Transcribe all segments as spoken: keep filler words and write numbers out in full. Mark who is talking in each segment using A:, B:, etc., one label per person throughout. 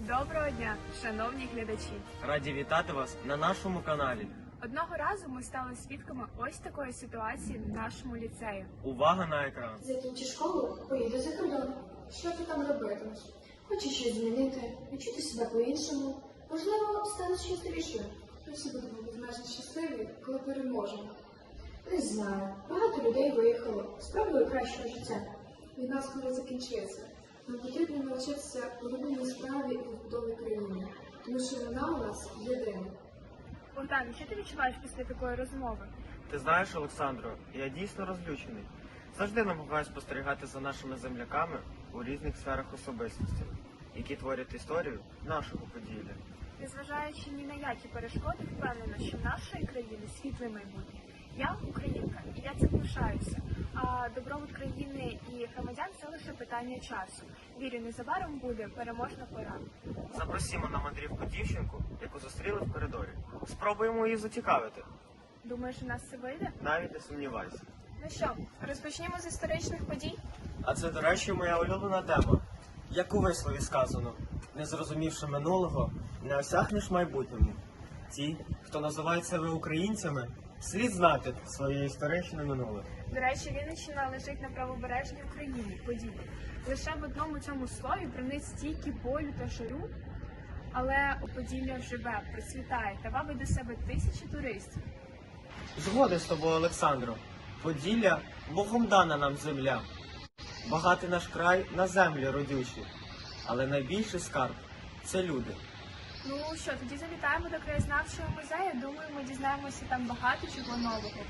A: Доброго дня, шановні глядачі!
B: Раді вітати вас на нашому каналі.
A: Одного разу ми стали свідками ось такої ситуації в нашому ліцеї.
B: Увага на екран.
C: Закінчи школу, поїду за кордон. Що ти там робитимеш? Хочеш щось змінити, відчути себе по-іншому? Можливо, станеш щасливішою. Ми всі будемо безмежно щасливі, коли переможемо. Не знаю, багато людей виїхало, спробую кращого життя. Війна скоро закінчиться. Нам потрібно навчитися улюбленій справі і побудові країни, тому що вона у нас єдина.
A: Богдан, що ти відчуваєш після такої розмови?
B: Ти знаєш, Олександро, я дійсно розлючений. Завжди намагаюсь спостерігати за нашими земляками у різних сферах особистості, які творять історію нашого Поділля.
A: Незважаючи ні на які перешкоди, впевнена, що в нашої країни світле майбутнє. Я українка, і я цим пишаюся. А добробут країни і громадян – це лише питання часу. Вірю, незабаром буде переможна пора.
B: Запросімо на мандрівку дівчинку, яку зустріли в коридорі. Спробуємо її зацікавити.
A: Думаєш, у нас це вийде?
B: Навіть не сумнівайся.
A: Ну що, розпочнімо з історичних подій?
B: А це, до речі, моя улюблена тема. Як у вислові сказано, не зрозумівши минулого, не осягнеш майбутньому. Ті, хто називають себе українцями, слід знати своє історичне минуле.
A: До речі, Вінниччина лежить на правобережній Україні, Поділлі. Лише в одному цьому слові проник стільки болю та жару, але у Поділля живе, процвітає та вабить до себе тисячі туристів.
B: Згоден з тобою, Олександро. Поділля – Богом дана нам земля. Багатий наш край на землі родючі. Але найбільший скарб – це люди.
A: Ну що, тоді завітаємо до краєзнавчого музею. Думаю, ми дізнаємося там багато чого нового.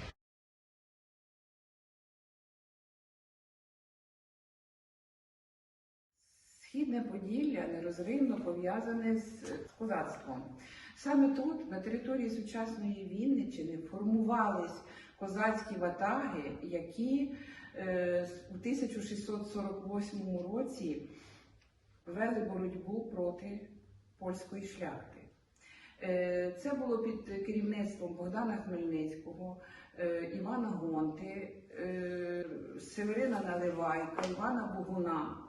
D: Східне Поділля нерозривно пов'язане з козацтвом. Саме тут, на території сучасної Вінниччини, формувались козацькі ватаги, які е, у тисяча шістсот сорок восьмому році вели боротьбу проти польської шляхти. Е, це було під керівництвом Богдана Хмельницького, е, Івана Гонти, е, Северина Наливайка, Івана Богуна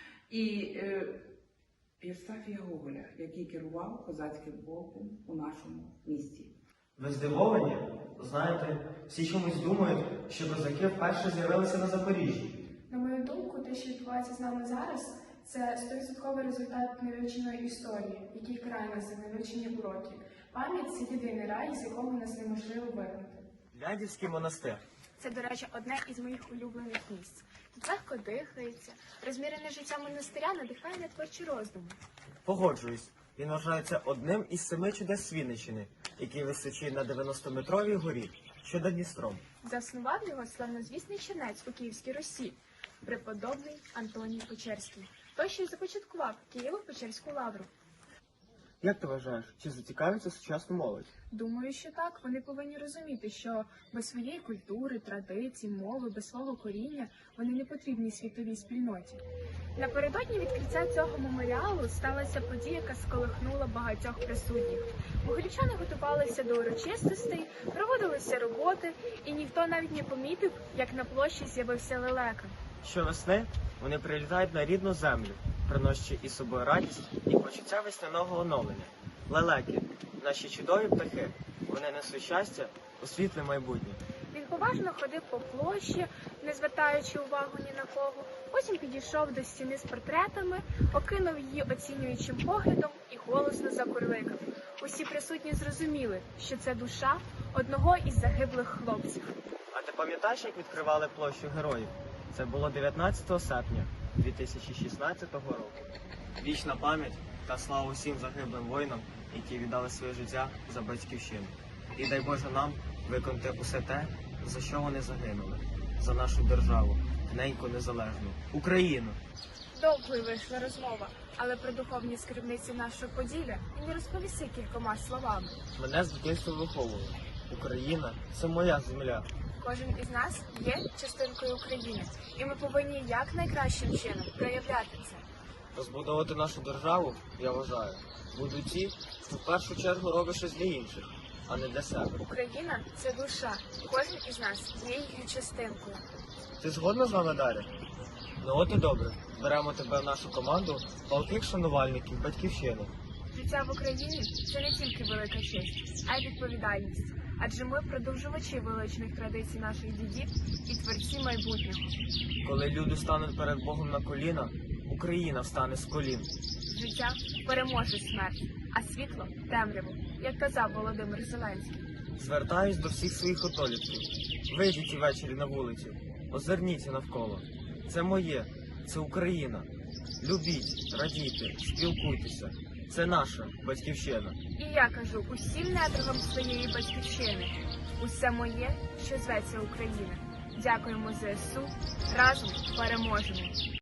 D: і е, Євстафія Гоголя, який керував козацьким полком у нашому місті.
B: Ви здивовані? Знаєте, всі чомусь думають, що козаки вперше з'явилися на Запоріжжі.
C: На мою думку, те, що відбувається з нами зараз, це стовідсотковий результат невивченої історії, який край нас за невивчені уроки. Пам'ять – це єдиний рай, з якого нас неможливо вигнати.
B: Лядівський монастир.
A: Це, до речі, одне із моїх улюблених місць. Тут легко дихається, розмірене життя монастиря надихає на творчі роздуми.
B: Погоджуюсь, він вважається одним із семи чудес Вінниччини, який височить на дев'яностометровій горі, що над Дністром.
A: Заснував його славнозвісний чернець у Київській Русі, преподобний Антоній Печерський. Той, що й започаткував Києво-Печерську лавру.
B: Як ти вважаєш, чи зацікавиться сучасну молодь?
A: Думаю, що так. Вони повинні розуміти, що без своєї культури, традицій, мови, без свого коріння вони не потрібні світовій спільноті. Напередодні відкриття цього меморіалу сталася подія, яка сколихнула багатьох присутніх. Могилівчани готувалися до урочистостей, проводилися роботи, і ніхто навіть не помітив, як на площі з'явився лелека.
B: Щовесни вони прилітають на рідну землю, приносячи із собою радість і почуття весняного оновлення. Лелеки – наші чудові птахи. Вони несуть щастя у світле майбутнє.
A: Він поважно ходив по площі, не звертаючи увагу ні на кого. Потім підійшов до стіни з портретами, окинув її оцінюючим поглядом і голосно закурликав. Усі присутні зрозуміли, що це душа одного із загиблих хлопців.
B: А ти пам'ятаєш, як відкривали площу героїв? Це було дев'ятнадцятого серпня дві тисячі шістнадцятого року. Вічна пам'ять та слава усім загиблим воїнам, які віддали своє життя за батьківщину. І дай Боже нам виконати усе те, за що вони загинули. За нашу державу, неньку незалежну, Україну.
A: Довгою вийшла розмова, але про духовні скарбниці нашого Поділля він розповісти кількома словами.
B: Мене з дитинства виховували. Україна – це моя земля.
A: Кожен із нас є частинкою України, і ми повинні якнайкращим чином проявляти це.
B: Розбудовувати нашу державу, я вважаю, будуть ті, хто в першу чергу робить щось для інших, а не для себе.
A: Україна – це душа. Кожен із нас є її частинкою.
B: Ти згодна з вами, Дар'я? Ну от і добре. Беремо тебе в нашу команду палких шанувальників батьківщини.
A: Життя в Україні це не тільки велика честь, а й відповідальність. Адже ми продовжувачі величних традицій наших дідів і творці майбутнього.
B: Коли люди стануть перед Богом на коліна, Україна встане з колін.
A: Життя переможе смерть, а світло темряву, як казав Володимир Зеленський.
B: Звертаюсь до всіх своїх отолітків. Вийдіть увечері на вулицю, озирніться навколо. Це моє, це Україна. Любіть, радійте, спілкуйтеся. Це наша батьківщина.
A: І я кажу усім недругам своєї батьківщини. Усе моє, що зветься Україна. Дякуємо ЗСУ. Разом переможемо.